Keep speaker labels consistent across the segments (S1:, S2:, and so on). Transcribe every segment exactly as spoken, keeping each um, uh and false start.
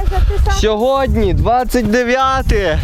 S1: Сьогодні двадцять дев'яте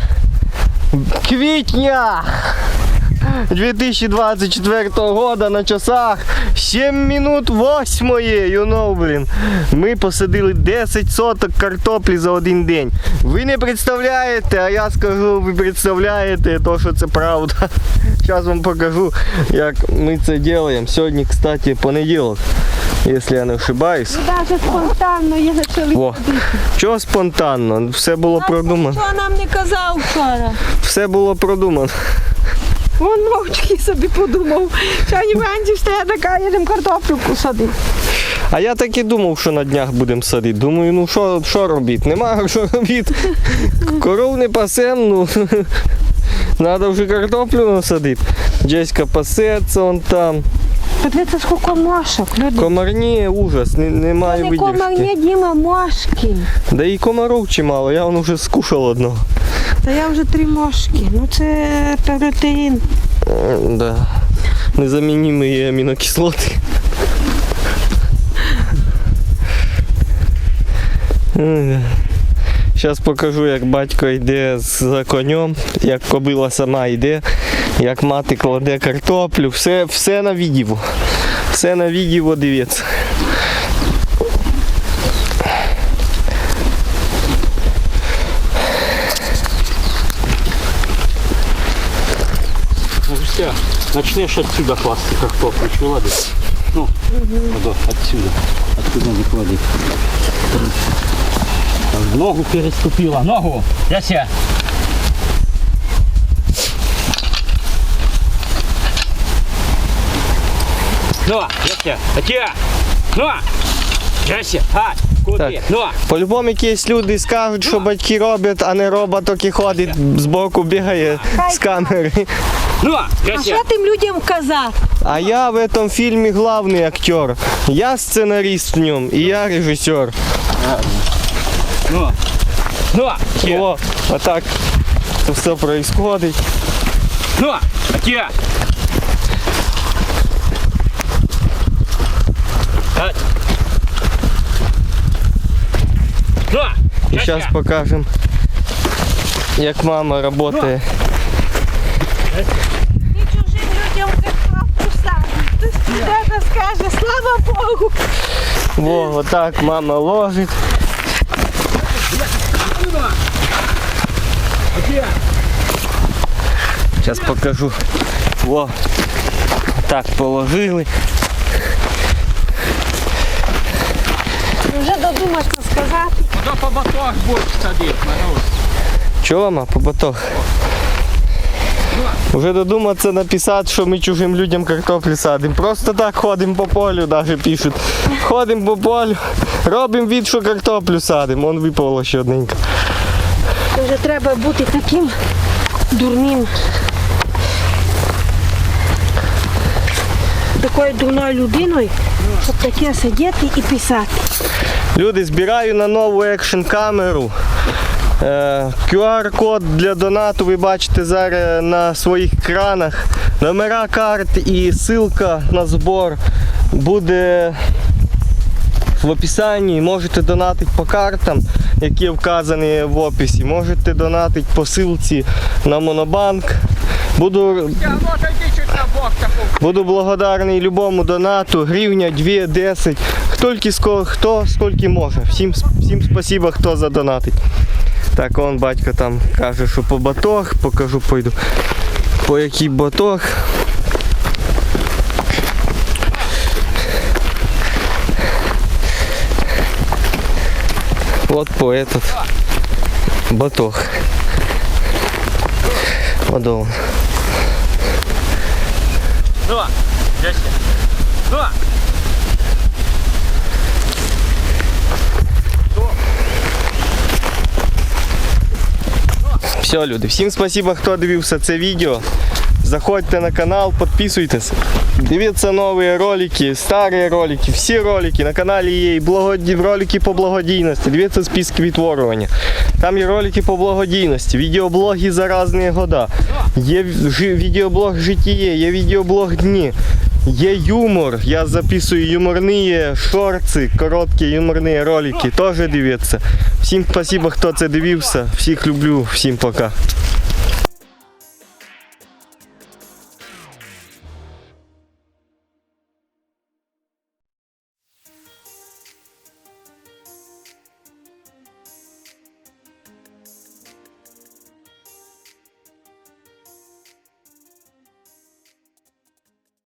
S1: квітня дві тисячі двадцять четвертого года, на часах сім минут восьмої, you know, блін. Ми посадили десять соток картоплі за один день. Ви не представляєте, а я скажу, ви представляєте, то що це правда. Зараз вам покажу, як ми це робимо. Сьогодні, кстати, понеділок, якщо я не ошибаюсь.
S2: Ви навіть спонтанно є почали.
S1: О, чого спонтанно? Все було продумано.
S2: Ніхто нам не казав вчора.
S1: Все було продумано.
S2: Вон мовчки собі подумав. Сьогодні вранці встає така, їдемо картоплю посадити.
S1: А я так і думав, що на днях будемо садити. Думаю, ну що, що робити? Нема що робити. Коров не пасем, ну треба вже картоплю насадити. Джеська пасеться он там.
S2: Подивіться, скільки мошок, люди.
S1: Комарні, ужас, не, немає
S2: Це не
S1: видержки.
S2: комарні, Діма, мошки.
S1: Да і комаров чимало, я вон вже скушав одного.
S2: Та я вже три мошки. Ну це протеїн.
S1: Да. Незамінімі амінокислоти. Зараз покажу, як батько йде за конем, як кобила сама йде, як мати кладе картоплю. Все, все на відео. Все на відео, дивіться.
S3: Все, начнешь отсюда класть картофель, чего ладно? Ну, угу. Отсюда, откуда выкладывать. Ногу переступила, ногу, Яся. Ну, Яся, Атя, ну, Яся, а, куди, ну.
S1: По-любому якісь люди скажуть, що батьки роблять, а не робот, який ходить збоку, бігає з камери.
S3: Ну,
S2: а що тим людям казати?
S1: А я в этом фильме главный актер. Я сценарист в нем, и я режиссер.
S3: Ну, ну,
S1: О, вот так это все происходит.
S3: Ну, Атя.
S1: И сейчас покажем, как мама работает.
S2: І чужим людям картоплю садить. Хтось скаже, слава Богу.
S1: Во, вот так мама ложит. Сейчас покажу. Во, так положили.
S2: Вже додумався сказати.
S3: Куда по батах будешь садить, Марусь?
S1: Чого, мама, по батох? Уже додуматься написати, що ми чужим людям картоплю садимо. Просто так ходимо по полю, навіть пишуть. Ходимо по полю, робимо від, що картоплю садимо. Вон випало ще одненько.
S2: Вже треба бути таким дурним. Такою дурною людиною, щоб таке сидіти і писати.
S1: Люди, збираю на нову екшн камеру. ку ар-код для донату ви бачите зараз на своїх екранах. Номера карт і ссылка на збор буде в описанні. Можете донатити по картам, які вказані в описі. Можете донатити по ссылці на Монобанк. Буду, буду благодарний любому донату. Гривня, дві, десять. Хто, хто скільки може. Всім, всім спасибо, хто задонатить. Так, он батько там каже, що по батог, покажу, пойду. По який батог. Вот по этот батог. Вот он.
S3: Ну, Яся, ну.
S1: Все, люди, всім спасибо, хто дивився це відео. Заходьте на канал, підписуйтесь. Дивіться нові ролики, старі ролики, всі ролики. На каналі є і благоді... ролики по благодійності. Дивіться списки відтворювання. Там є ролики по благодійності, відеоблоги за різні года. Є ж... відеоблог житіє, є відеоблог дні. Є юмор, я записую юморні шорти, короткі юморні ролики, теж дивіться. Всім спасибо, хто це дивився, всіх люблю, всім пока.